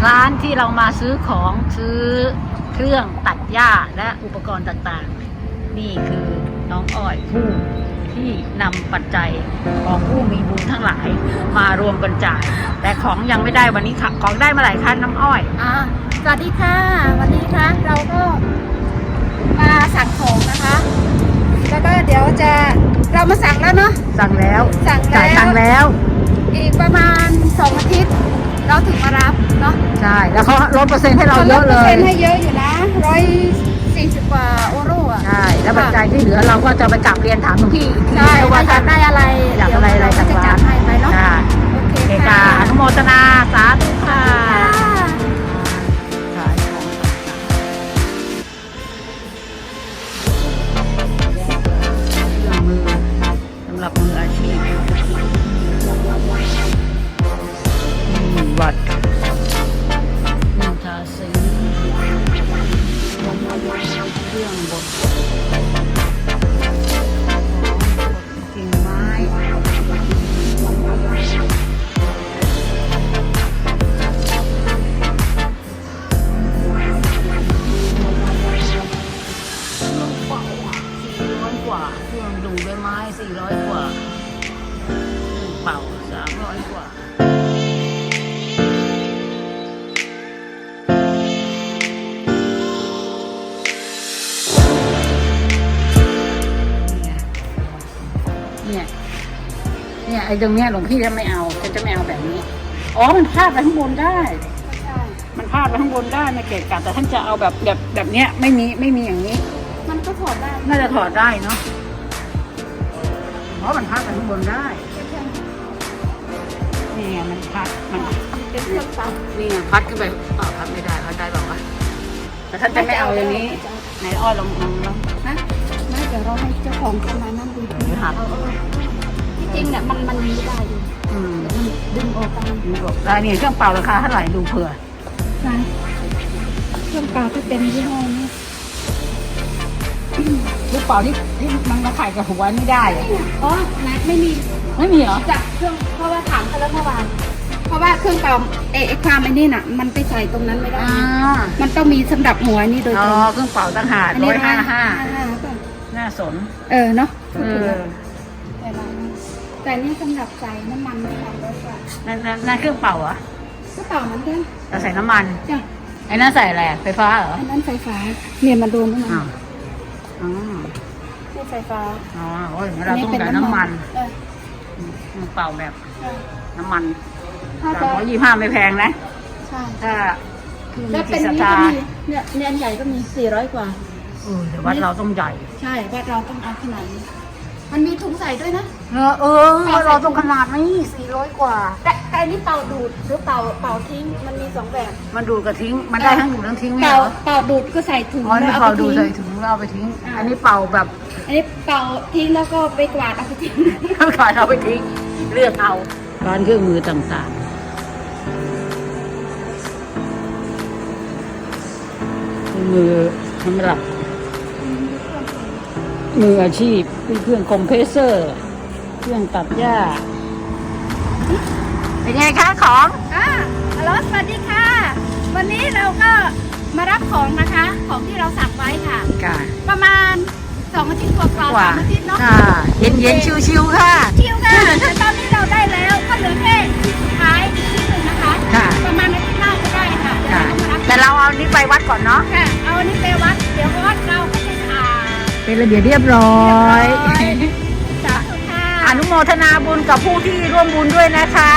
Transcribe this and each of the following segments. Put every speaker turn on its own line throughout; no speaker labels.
ร้านที่เรามาซื้อของซื้อเครื่องตัดหญ้าและอุปกรณ์ต่างๆนี่คือน้องอ้อยผู้ที่นำปัจจัยของผู้มีบุญทั้งหลายมารวมกันจ่ายแต่ของยังไม่ได้วันนี้ค่ะของได้มาหลายคันน้ำอ้อย
สวัสดีค่ะวันนี้ค่ะเราก็มาสั่งของนะคะแล้วก็เดี๋ยวเรามาสั่งแล้วเนาะ
สั่งแล้วจ่ายตังค์แล้ว
อีกประมาณ2 อาทิตย์เราถึงมารับเนาะ
ใช่แล้วเขาลดเปอร์เซ็นต์ให้เราเยอะเลย
ลดเปอร์เซ็นต์ให้เยอะอยู่นะ140 กว่าโอโร่อ่ะ
ใช่แล้วปัจจัยที่เหลือเราก็จะไปกลับเรียนถามหลวงพี่
ใช่ว่าจะได้อะไร
อยากอะไรจากร้าน
ให้ไปเนาะ
โอเคค่ะอนุโมทนาสาธุค่ะสำหรับมืออาชีพวัดทาสีเครื่องบดกิ่งไม้400 กว่าเครื่องดูใบไม้400 กว่าเป่า300 กว่าเนี่ยไอ้ตรงเนี้ยหลวงพี่จะไม่เอาจะไม่เอาแบบนี้มันพาดไปข้างบนได้มันพาดไปข้างบนได้ไม่เกะกะแต่ท่านจะเอาแบบเนี้ยไม่มีอย่างนี้
มันก็ถอดได้
น่าจะถอดได้เนาะเพราะมันพาดไปข้างบนได้นี่ไงมันพัดมัน
เป็นเครื่องซัก
นี่ไงพัดขึ้นไปพัดไม่ได้พัดได้หรอวะแต่ท่านจะไม่เอาอย่างนี้ไหนอ้อยลอง
นะไม่เดี๋ยวเราให้เจ้าของเข้ามานั่งดูจริงเนี่ยมันไม่ได้ดูมันดึงออก
ได้นี่เครื่องเป่าราคาเท่าไหร่ดูเผื่อ
เครื่องเป่าที่เป็นยี่ห้อนี้
เครื่องเป่าที่มันมาขายกับหัวไม่ได้
นัดไม่มี
เหรอ
จากเครื่องเพราะว่าถามเขาแล้วเมื่อวานเพราะว่าเครื่องเป่าความไอ้นี่น่ะมันไปใส่ตรงนั้นไม่ได้มันต้องมีสำหรับหัวนี่โดยตรง
เครื่องเป่าต่างหาก155น่าสน
เนาะแต่นี่สำหรับใส่น้ำมันไม่ทำได้ค่ะ
นั่นเครื่องเป่าเหรอ
เครื่องเป่ามันด้วย
เราใส่น้ำมัน
จ้ะ
ไอ้นั่นใส่อะไรไฟฟ้าเหรอ
อันนั้นไฟฟ้าเนี่ยมันโดนน้ำมันนี่ไฟฟ้า
โอ้ยเราต้องใส่น้ำมันเป่าแบบน้ำมัน325ไม่แพงนะ
ใช่
ถ้า
แล้วเป็นนี้ก็มีเนี่ยเนียนใหญ่ก็มี400 กว่า
แต่วัดเราต้องใหญ่
ใช่วัดเราต้องเอาขนาดนี้มันมีถุงใส่ด้วยนะ
เราต้องขนาดนี้400 กว่า
แต่นี่เป่าดูดหรือเป่าทิ้งมันมี2 แบบ
มันดูดกับทิ้งมันได้ทั้งดูดทั้งทิ้งไหม
เป่าดูดก็ใส่ถุง
แล้วเป่าดูดใส่ถุงแล้วเอาไปทิ้งอันนี้เป่าแบบ
อันนี้เป่าทิ้งแล้วก็ไปกวาดเอาไปทิ้ง
กวาดเอาไปทิ้งเลือกเอาร้านเครื่องมือต่างๆมือสำหรับมืออาชีพเครื่องคอมเพรสเซอร์เครื่องตัดหญ้าเป็นไงคะของ
ฮัลโหลสวัสดีค่ะวันนี้เราก็มารับของนะคะของที่เราสั่งไว้ค่ะประมาณ2 อาทิตย์กว่า3 อาทิตย์เนาะ
เย็นชิวๆค่ะ
ชิวค่ะแต่ตอนนี้เราได้แล้วก็เหลือแค่สุดท้ายที่1นะคะประมาณอาทิตย์หน้าจะได้ค่ะ
แต่เราเอานี้ไปวัดก่อนเนาะ
ค่ะเอาอันนี้ไปวัดเดี๋ยววัดเราก็จะ
เป็นระเบียบเรียบร้อยอนุโมทนาบุญกับผู้ที่ร่วมบุญด้วยนะคะ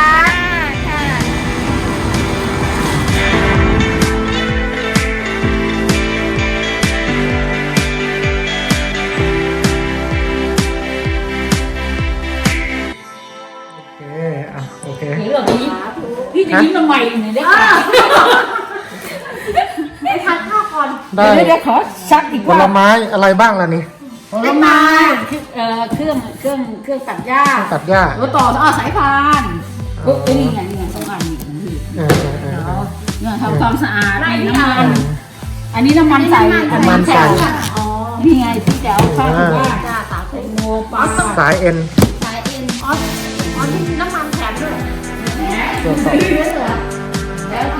โอเค
เรื่องนี้พี่จะยิ้มทำไมเนี่ยได้ค่ะไม่ทานข้าวก่อนเดี๋ยวขอชักอีกว่า
ผลไม้อะไรบ้างล่ะนี่
ผลไม้เครื่องตัดหญ้าแล้วต่อสายพานนี่ไง2 อันเนี่ยทำความสะอาดน้ำมันอันนี้น้ำมันใส่นี่ไงพี่แจ๋วข้าวว่าสาคูโมปลา
สายเอ็น
นี่น้ำมันแถมด้วยแล้วปัจจัย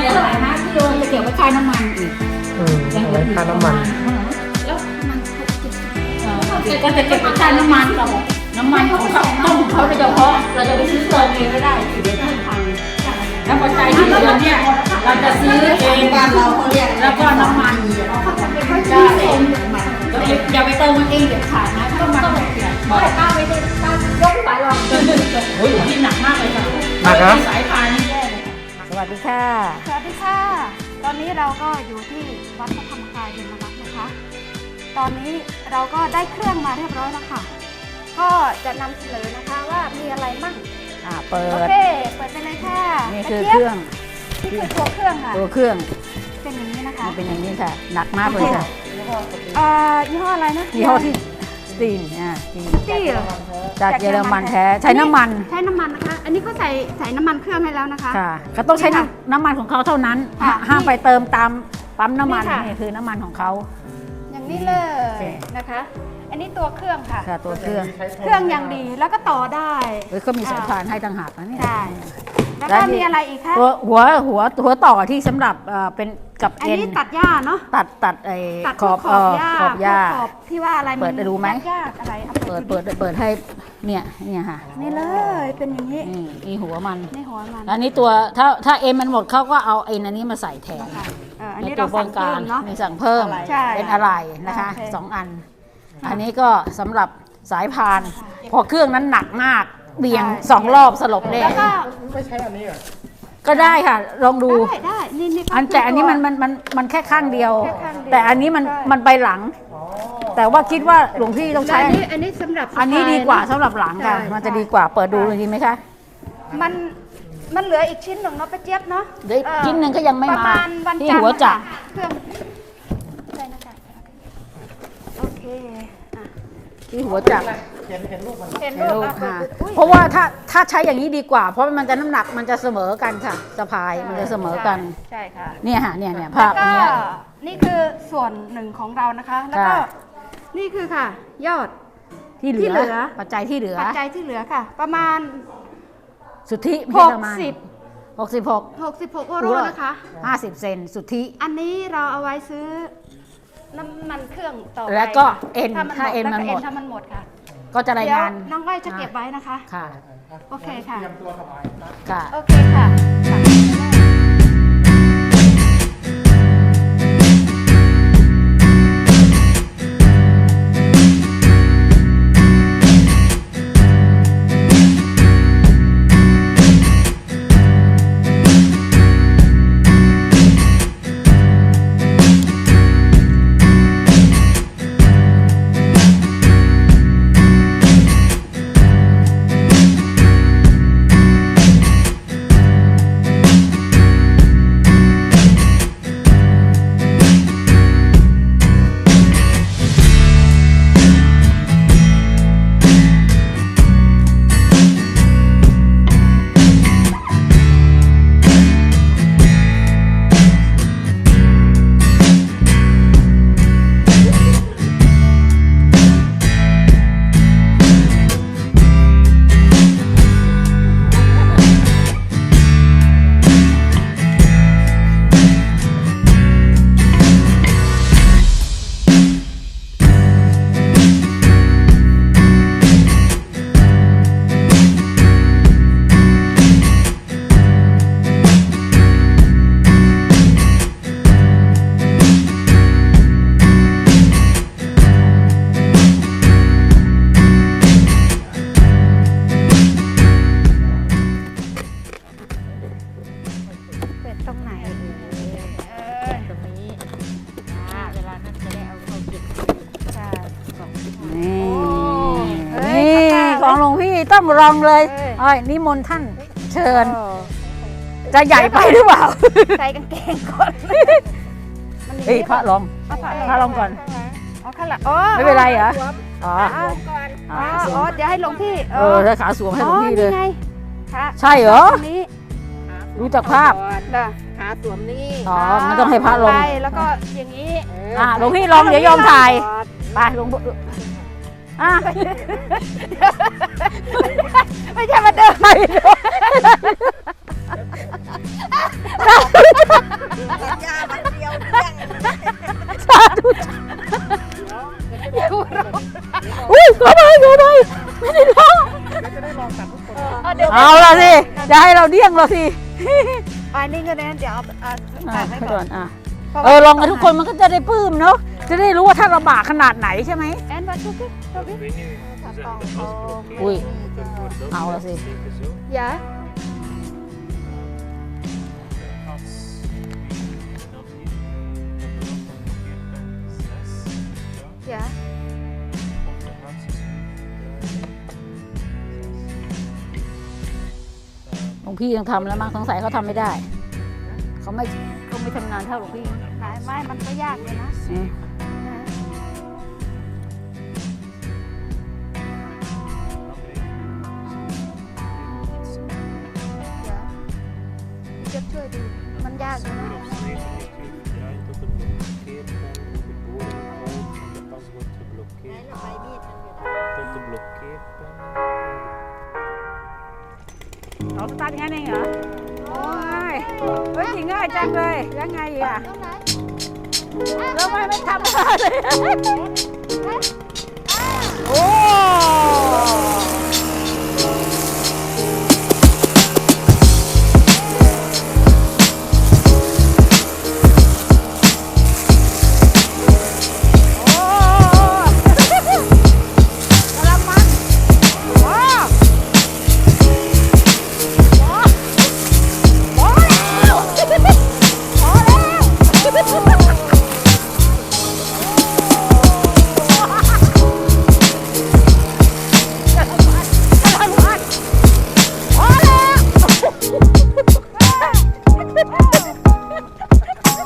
เหลือเท่าไหร่นะที่เราจะเก็บไว้ค่าน้ำมันอีก
เอาไว้ค่าน้ำมัน
แล้วมัน
ก็จะเก็บไว้ค่าน้ำมันเราบอกน้ำมันของเขาต้องของเขาโดยเฉพาะเราจะไปซื้อเติมเองไม่ได้เดี๋ยวต้องพังแล้วปัจจัยที่เหลือเนี่ยเราจะซื้อเองบ้านเราเขาเรียกแล้วก็น้ำมันได้อย่าไปเติมมันเองเด็ดขาดนะต้องมันบอกป้าไม่ได้ป้ายกไปหรอกโอ้ยที่หนักมากเลยค่ะสายพานนี่แย่เลยสวัสดีค่ะ
สวัสดีค่ะ ตอนนี้เราก็อยู่ที่วัดพระธรรมกายเย็นวัดนะคะ ตอนนี้เราก็ได้เครื่องมาเรียบร้อยแล้วค่ะ ก็จะนำเสนอนะคะว่ามีอะไรมั่ง
เปิ
โอ
ด
เค เปิดไปเลยค่ะ
นี่คือเครื่อง
นี่คือตัวเครื่องค่ะ
ตัวเครื่อง
เป็นอย่างนี้นะคะ
มันเป็นอย่างนี้ค่ะหนักมากเลยค่ะ
ยี่ห้ออะไรนะ
ยี่ห้อที่สตีน
สตีล
จากเยอรมันแท้ใช้น้ำมัน
ใช้น้ำมันนะคะ อันนี้ก็ใส่น้ำมันเครื่องให้แล้วนะคะ
ค่ะเขาต้องใช้น้ำมันของเขาเท่านั้น
ค่ะ
ห้ามไปเติมตามปั๊มน้ำมัน
นี่ค่ะ
นี่คือน้ำมันของเขา
อย่างนี้เลยนะคะ อันนี้ตัวเครื่องค่ะ
ค่ะตัวเครื่อง
เครื่องอย่างดีแล้วก็ต่อได้
เขามีสายพานให้ต่างหากนะนี่
ใช่แล้วก็มีอะไรอีกคะ
หัวต่อที่สำหรับเป็นกับ
อัน
เอ็น
นี้ตัดหญ้าเนาะ
ตัดไอ้
ตัด
ขอบ
ขอบหญ้า
ขอบหญ้า
ขอบที่ว่าอะไร
เปิดดูไหม
ยากๆอะไรอา
เปิดให้เนี่ยค่ะ
นี่เลยเป็นอย่างนี้
นี่หัวมัน
ในหัวมัน
อันนี้ตัวถ้าเอ็นมันหมดเขาก็เอาเอ็นอันนี้มาใส่แทน
อัน
ใน
นี้
ตั
เรา
วป้
สั่
อง ง
เพิ่
การ
มเนาะ
มีสั่งเพิ่ม
ใช่
เป็นอะไรนะคะ
โอเค
2 อัน อันนี้ก็สำหรับสายพาน พอเครื่องนั้นหนักมากเบี่ยง2 รอบสลบเลย
แล้วก็
ไม่ใช่อันนี้เหรอ
ก็ได้ค่ะลองดู
ได้นี่ก็
แต่อันนี้
ตัว
มันแค่ข้างเดียว
แค่ข้างเดียว
แต่อันนี้มันไปหลัง แต่ว่าคิดว่าหลวงพี่ต้องใช้
อันนี้สำหรับ
อันนี้ดีกว่า
สะพย
สำหรับหลังค่ะ
ใช่
มันจะดีกว่าเปิดดูเลยดีไหมคะ
มันเหลืออีกชิ้นหนึ่งเนาะป้าเจี๊ยบเนาะ
เดี๋ยวชิ้นหนึ่งก็ยังไม่
ประ
มา
มาณวัน
ที่
จันทร์
หัวจักร
นะคะเครื่องใช่นะคะโอเคอ่ะ
ที่หัวจักร
เห็นรูปมัน
เห็น
ให้
รู
ลู
ป
ก
อ่ะ
ค่ะ
อุ๊ย
เพราะว่าถ้าใช้อย่างนี้ดีกว่า เพราะมันจะน้ำหนักมันจะเสมอกันค่ะสะพายมันจะเสมอกัน
ใช่ค่ะ
เนี่ยค่ะเนี่ยภาพอัน
ก็
เนี้ย
นี่คือส่วนหนึ่งของเรานะคะ แล้วก็
ค่ะ
นี่คือค่ะ ยอด
ที่เห
ที่เหลื
ลือ
อ
ปัจจัยที่เหลือ
ปัจจัยที่เหลือค่ะ ประมาณ
สุทธิไม่ใช่ประมาณ
60
66
โอโรนะคะ
50 เซนสุทธิ
อันนี้เราเอาไว้ซื้อน้ำมันเครื่องต่อไป
แล้วก็
ค่ะ
เอ็น ถ้าเอ็นมันหมด
ถ้ามันหมดค่ะ
ก็จะราย
เดี๋ยว
งาน
น้องก้อยจะเก็บไว้นะคะ
ค่ะ
โอเคค่ะ
เตรียมตัวถวายนะ
ค่ะ
โอเคค่ะเป็ดตรงไหนตรงนี้เวลานั้นจะได้เอาเข้าเก็บใช่
นี่
เอ้ย
นี่
ข้าวๆ
ของหลวงพี่ต้องลองเลย
เอ้ย
อ้อยนิมนต์ท่านเชิญ จะใหญ่ไปหรือเปล่า
ใส่กางเกงก่อน
เฮ้ยพระลอง
เอาผ้า
พระลองก่อน
เอาข้างหลังอ๋อ
ไม่เป็นไรเหรอ อ๋อ
เอาก่อนอ๋อเดี๋ยวให้หลวงพี่
ถ้าขาสวมให้หลวงพี่เลย
นี่ไงพระ
ใช่เหรอ
ตรงนี้
รู้จักภาพ
น่ะ
ขาสวมนี่
อ๋องั้นต้องให้พระลง
ไปแล้วก็อย่างนี้
หลวงพี่ลองเดี๋ยวยอมถ่าย ไปหลวงพ่ออ่ะ
ไม่ใช่มาเดิน
ไปอุ้ยก็ไปไม่ได้ร้อง
จะได้ลองตัดทุกคน
เอาละสิจะให้เราเดี่ยงเราสิ
ไปนี่ก็ได้เดี๋ยวเอาตัดไว้ก่อน
ลองกันทุกคนมันก็จะได้ปลื้มเนาะจะได้รู้ว่าถ้าลำบากขนาดไหนใช่ไหม
แอนวัดทุกที
อุ้ยเอาละสิ
อย่าอย่า
หลวงพี่ยังทำแล้วมั้งสงสัยเขาทำไม่ได้เขาไม่ทำงานเท่าหลวงพี่
ไม่มันก็ยากเลยนะ เดี๋ยวจะช่วยดูมันยากอยู่นะ
เราสตาร์ทงั้นเองเหรอโอ้ยเฮ้ยง่ายจังเลยยังไงอ่ะแล้วไม่ทำอะไรเลยโอ้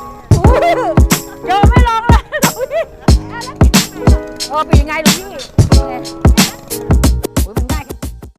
เป็นยังไงลูกพี่